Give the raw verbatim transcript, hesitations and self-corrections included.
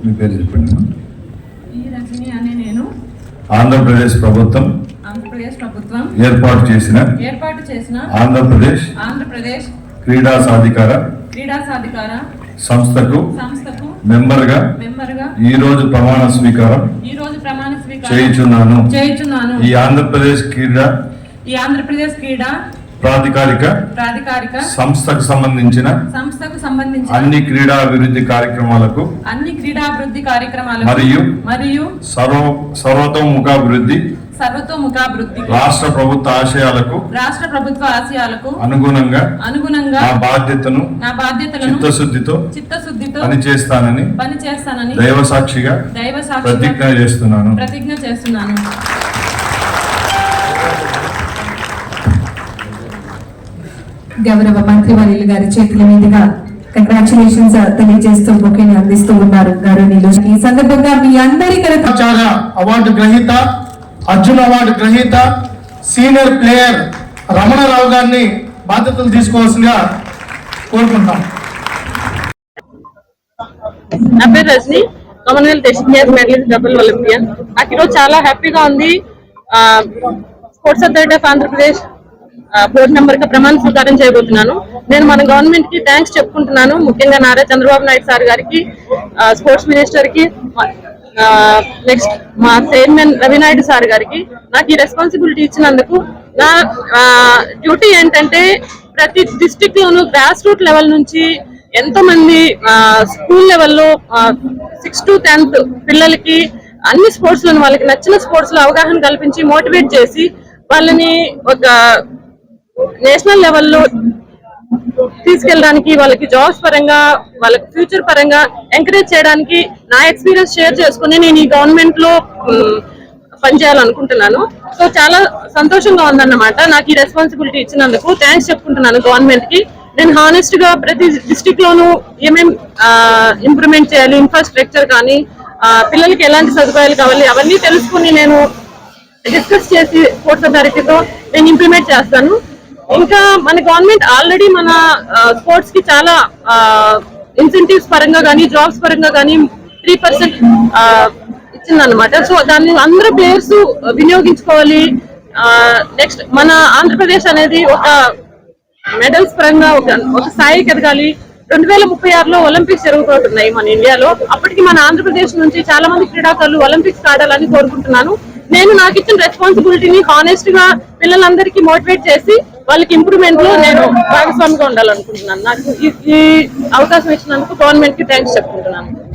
మీ పేరు చెప్పండి. ఈ రజని అనే నేను ఆంధ్రప్రదేశ్ ప్రభుత్వం ఆంధ్రప్రదేశ్ ప్రభుత్వం ఏర్పాటు చేసిన ఏర్పాటు చేసిన ఆంధ్రప్రదేశ్ ఆంధ్రప్రదేశ్ క్రీడా సాధికార క్రీడా సాధికార సంస్థకు సంస్థకు మెంబర్ గా మెంబర్ గా ఈ రోజు ప్రమాణ స్వీకారం ఈ రోజు ప్రమాణ స్వీకారం చేయుచున్నాను చేయుచున్నాను ఈ ఆంధ్రప్రదేశ్ క్రీడా ఈ ఆంధ్రప్రదేశ్ క్రీడా ప్రాధికారిక ప్రాధికారిక సంస్థకు సంబంధించిన సంస్థకు సంబంధించిన అన్ని క్రీడా అభివృద్ధి కార్యక్రమాలకు అన్ని క్రీడాభివృద్ధి కార్యక్రమాలకు మరియు మరియు సర్వ సర్వతోముఖాభివృద్ధి సర్వతోముఖాభివృద్ధి రాష్ట్ర ప్రభుత్వ ఆశయాలకు రాష్ట్ర ప్రభుత్వ ఆశయాలకు అనుగుణంగా అనుగుణంగా నా బాధ్యతను నా బాధ్యతలను చిత్తశుద్ధితో చిత్తశుద్ధితో పనిచేస్తానని పనిచేస్తానని దైవ సాక్షిగా దైవ ప్రతిజ్ఞ సాక్షిగా చేస్తున్నాను ప్రతిజ్ఞ చేస్తున్నాను. గౌరవ మంత్రివర్యులు గారి చేతుల మీదుగా కంగ్రాచులేషన్స్ తెలియజేస్తూ బొకేని అందిస్తూ ఉన్నారు గౌరవనీయులు. ఈ సందర్భంగా మీ అందరి అవార్డు గ్రహీత, అర్జున్ అవార్డు గ్రహీత, సీనియర్ ప్లేయర్ రమణరావు గారిని బాధ్యతలు తీసుకోవాల్సిందిగా కోరుకుంటాం. నా పేరు Rajani, Commonwealth Asian Games medallist, double Olympian. నాకు ఈరోజు చాలా హ్యాపీగా ఉంది. Sports Authority of Andhra Pradesh board member గా ప్రమాణ స్వీకారం చేయబోతున్నాను. నేను మన గవర్నమెంట్ కి థ్యాంక్స్ చెప్పుకుంటున్నాను. ముఖ్యంగా నారా చంద్రబాబు నాయుడు సార్ గారికి, స్పోర్ట్స్ మినిస్టర్ కి, నెక్స్ట్ మా చైర్మన్ రవినాయుడు సార్ గారికి నాకు ఈ రెస్పాన్సిబిలిటీ ఇచ్చినందుకు. నా డ్యూటీ ఏంటంటే ప్రతి డిస్ట్రిక్ట్ లోను గ్రాస్ రూట్ లెవెల్ నుంచి ఎంతో మంది స్కూల్ లెవెల్లో సిక్స్ టు టెన్త్ పిల్లలకి అన్ని స్పోర్ట్స్ లో వాళ్ళకి నచ్చిన స్పోర్ట్స్ లో అవగాహన కల్పించి మోటివేట్ చేసి వాళ్ళని ఒక నేషనల్ లెవెల్లో తీసుకెళ్ళడానికి, వాళ్ళకి జాబ్స్ పరంగా, వాళ్ళకి ఫ్యూచర్ పరంగా ఎంకరేజ్ చేయడానికి నా ఎక్స్పీరియన్స్ షేర్ చేసుకుని నేను ఈ గవర్నమెంట్ లో పనిచేయాలనుకుంటున్నాను. సో చాలా సంతోషంగా ఉందన్నమాట నాకు ఈ రెస్పాన్సిబిలిటీ ఇచ్చినందుకు. థ్యాంక్స్ చెప్పుకుంటున్నాను గవర్నమెంట్ కి. నేను హానెస్ట్ గా ప్రతి డిస్ట్రిక్ట్ లోను ఏమేం ఇంప్రూవ్మెంట్ చేయాలి, ఇన్ఫ్రాస్ట్రక్చర్ కానీ పిల్లలకి ఎలాంటి సదుపాయాలు కావాలి అవన్నీ తెలుసుకుని నేను డిస్కస్ చేసి స్పోర్ట్స్ అథారిటీతో నేను ఇంప్లిమెంట్ చేస్తాను. ఇంకా మన గవర్నమెంట్ ఆల్రెడీ మన స్పోర్ట్స్ కి చాలా ఇన్సెంటివ్స్ పరంగా కానీ జాబ్స్ పరంగా కానీ త్రీ పర్సెంట్ ఇచ్చిందనమాట. సో దాన్ని అందరూ ప్లేయర్స్ వినియోగించుకోవాలి. నెక్స్ట్ మన ఆంధ్రప్రదేశ్ అనేది ఒక మెడల్స్ పరంగా ఒక ఒక స్థాయికి ఎదగాలి. రెండు వేల ముప్పై ఆరులో ఒలింపిక్స్ జరుగుతున్నాయి మన ఇండియాలో. అప్పటికి మన ఆంధ్రప్రదేశ్ నుంచి చాలా మంది క్రీడాకారులు ఒలింపిక్స్ ఆడాలని కోరుకుంటున్నాను. నేను నాకు ఇచ్చిన రెస్పాన్సిబిలిటీని హానెస్ట్ గా పిల్లలందరికీ మోటివేట్ చేసి వాళ్ళకి ఇంప్రూవ్మెంట్ లో నేను భాగస్వామిగా ఉండాలనుకుంటున్నాను. నాకు ఈ అవకాశం ఇచ్చినందుకు గవర్నమెంట్ కి థ్యాంక్స్ చెప్పుకుంటున్నాను.